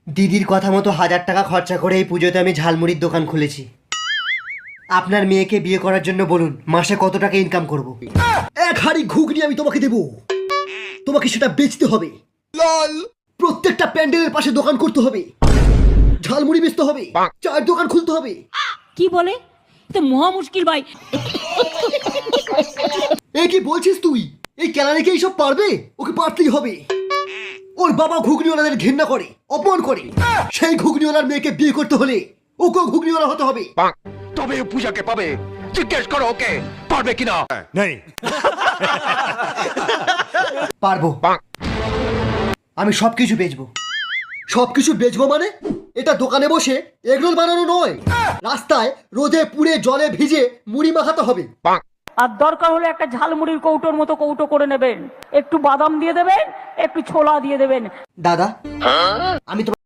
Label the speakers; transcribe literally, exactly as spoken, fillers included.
Speaker 1: দিদির কথা মতো হাজার টাকা খরচা করে এই পুজোতে আমি ঝালমুড়ির দোকান খুলেছি। আপনার মেয়েকে বিয়ে করার জন্য বলুন মাসে কত টাকা ইনকাম করব।
Speaker 2: এক হাড়ি ঘুগনি আমি তোমাকে দেব, তোমাকে সেটা বেচতে হবে। প্রত্যেকটা প্যান্ডেলের পাশে দোকান করতে হবে, ঝালমুড়ি বেচতে হবে, চায়ের দোকান খুলতে হবে।
Speaker 3: কি বলে? তো মহা মুশকিল ভাই।
Speaker 2: এই কি বলছিস তুই? এই কেলানিকে এইসব পারবে? ওকে পারতেই হবে। ওর বাবা ঘুগনিওয়ালাদের ঘৃণা করে, অপমান করে। সেই ঘুগনিওয়ালার মেয়েকে বিয়ে করতে হলে ওকেও ঘুগনিওয়ালা হতে হবে।
Speaker 4: তবে পূজাকে পাবে। জিজ্ঞেস করো ওকে পারবে কিনা।
Speaker 1: পারবো, আমি সবকিছু বেচবো।
Speaker 2: সবকিছু বেচবো মানে? এটা দোকানে বসে এগরোল বানানো নয়, রাস্তায় রোদে পুড়ে জলে ভিজে মুড়ি মাখাতে হবে।
Speaker 3: আর দরকার হলে একটা ঝালমুড়ির কৌটোর মতো কৌটো করে নেবেন, একটু বাদাম দিয়ে দেবেন, একটু ছোলা দিয়ে দেবেন।
Speaker 1: দাদা আমি তো